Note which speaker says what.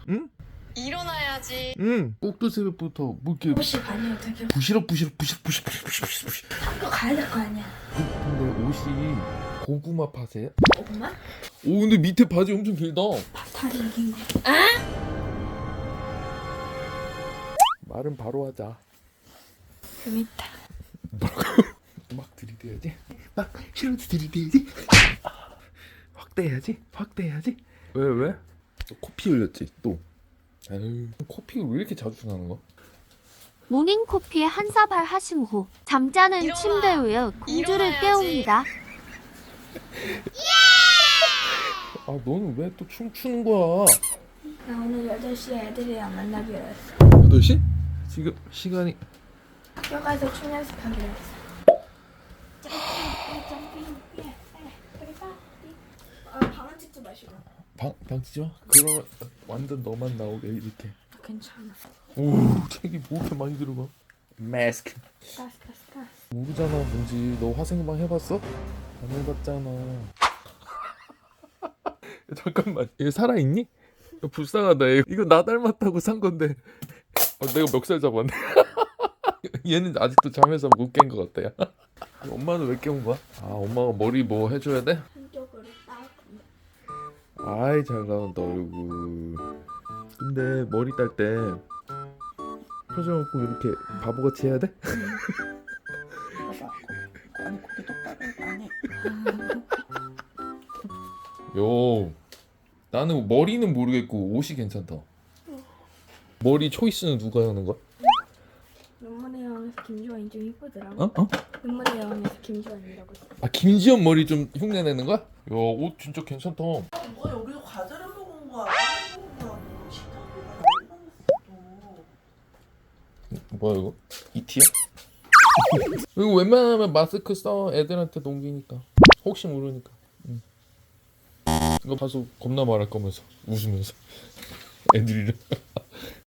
Speaker 1: 응?
Speaker 2: 일어나야지.
Speaker 1: 응. 꼭두 새벽부터 뭐 이렇게
Speaker 3: 옷이 아니에요 되게.
Speaker 1: 부시럭
Speaker 3: 학교 가야 될 거 아니야.
Speaker 1: 근데 옷이 고구마 팥이에요?
Speaker 3: 엄마?
Speaker 1: 오 근데 밑에 바지 엄청 길다.
Speaker 3: 다리 이긴 거.
Speaker 1: 말은 바로 하자.
Speaker 3: 재밌다.
Speaker 1: 막 들이대야지. 막 싫어도 들이대야지. 확대해야지. 왜? 코피 흘렸지 또. 아유 코피가 왜 이렇게 자주 나는 거?
Speaker 4: 모닝커피에 한 사발 하신 후 잠자는
Speaker 2: 일어나.
Speaker 4: 침대 위에 공주를
Speaker 2: 일어나야지.
Speaker 4: 깨웁니다.
Speaker 1: 아 너는 왜 또 춤추는 거야?
Speaker 3: 나 오늘 8시에 애들이랑 만나기로 했어.
Speaker 1: 8시? 지금 시간이
Speaker 3: 학교 가서 춤 연습하기로 했어. 방은 찍지 마시고.
Speaker 1: 방 치지 마? 그러면 완전 너만 나오게 이렇게.
Speaker 3: 괜찮아.
Speaker 1: 오 책이 뭐 이렇게 많이 들어가? 마스크.
Speaker 3: 가스.
Speaker 1: 모르잖아 뭔지. 너 화생방 해봤어? 안 해봤잖아. 잠깐만 얘 살아있니? 불쌍하다 얘. 이거 나 닮았다고 산 건데 내가 멱살 잡았네. 얘는 아직도 잠에서 못 깬 것 같다 야. 엄마는 왜 깨운 거야? 아 엄마가 머리 뭐 해줘야 돼?
Speaker 3: 한쪽으로 딱.
Speaker 1: 아이 잘 나온다 얼굴. 근데 머리 딸 때 표정을 꼭 이렇게 바보같이 해야 돼?
Speaker 3: 아니 고개 똑바로 안 해.
Speaker 1: 요 나는 머리는 모르겠고 옷이 괜찮다. 머리 초이스는 누가 하는 거야?
Speaker 3: 눈물의 여왕에서 김주환이 좀 이쁘더라.
Speaker 1: 어?
Speaker 3: 눈물의 여왕에서 김주환이라고 했어.
Speaker 1: 아 김지연 머리 좀 흉내 내는 거야? 야 옷 진짜 괜찮다.
Speaker 5: 뭐 여기서 과자를 먹은 거야? 빵을 먹은 거야? 식당에 가서
Speaker 1: 뭐야 이거? 이티야? 이거 웬만하면 마스크 써 애들한테 넘기니까 혹시 모르니까. 이거 봐서 겁나 말할 거면서 웃으면서 애들이랑